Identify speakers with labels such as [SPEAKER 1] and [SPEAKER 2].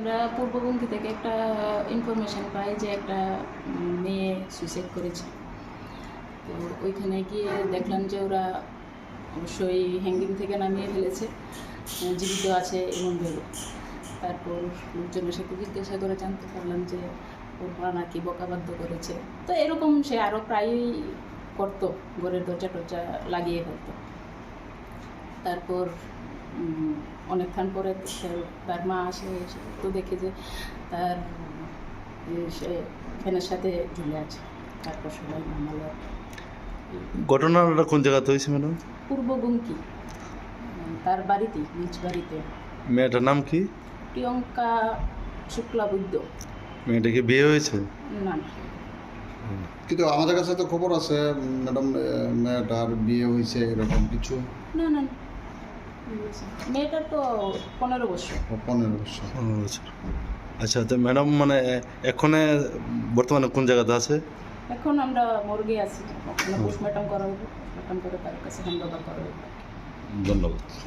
[SPEAKER 1] আমরা পূর্ববঙ্গী থেকে একটা ইনফরমেশন পাই যে একটা মেয়ে সুইসাইড করেছে। তো ওইখানে গিয়ে দেখলাম যে ওরা অবশ্যই হ্যাঙ্গিং থেকে নামিয়ে ফেলেছে, জীবিত আছে এমন ভেবে। তারপর লোকজনের সাথে জিজ্ঞাসা করে জানতে পারলাম যে ওর মা নাকি বকাবাধ্য করেছে। তো এরকম সে আরও প্রায়ই করতো, ঘরের দরজা টরজা লাগিয়ে ফেলতো। তারপর অনেকক্ষণ পরে তার মা আসে, তো দেখে যে তার সে ফ্যানের সাথে ঝুলে আছে। তারপর সবাই নামালো।
[SPEAKER 2] ঘটনাটা কোন জায়গাতে হয়েছে ম্যাডাম?
[SPEAKER 1] পূর্ববঙ্গী, তার বাড়িতে, নিজ বাড়িতে।
[SPEAKER 2] মেয়েটার নাম কি?
[SPEAKER 1] প্রিয়ঙ্কা শুক্লাবৈদ্য।
[SPEAKER 2] মেয়েটা কি বিয়ে হয়েছে?
[SPEAKER 1] না,
[SPEAKER 3] কিন্তু আমাদের কাছে তো খবর আছে ম্যাডাম, মেয়েটার বিয়ে হয়েছে এরকম কিছু।
[SPEAKER 1] না না, মেয়েটার তো 15 বছর।
[SPEAKER 3] 15 বছর।
[SPEAKER 2] আচ্ছা, তো ম্যাডাম মানে এখন বর্তমানে কোন জায়গাতে আছে?
[SPEAKER 1] এখন আমরা মর্গে আছি, ওখানে পোস্টমর্টম করা হবে, পোস্টমর্টম করে তার কাছে হ্যান্ড ওভার করা হবে।
[SPEAKER 2] ধন্যবাদ।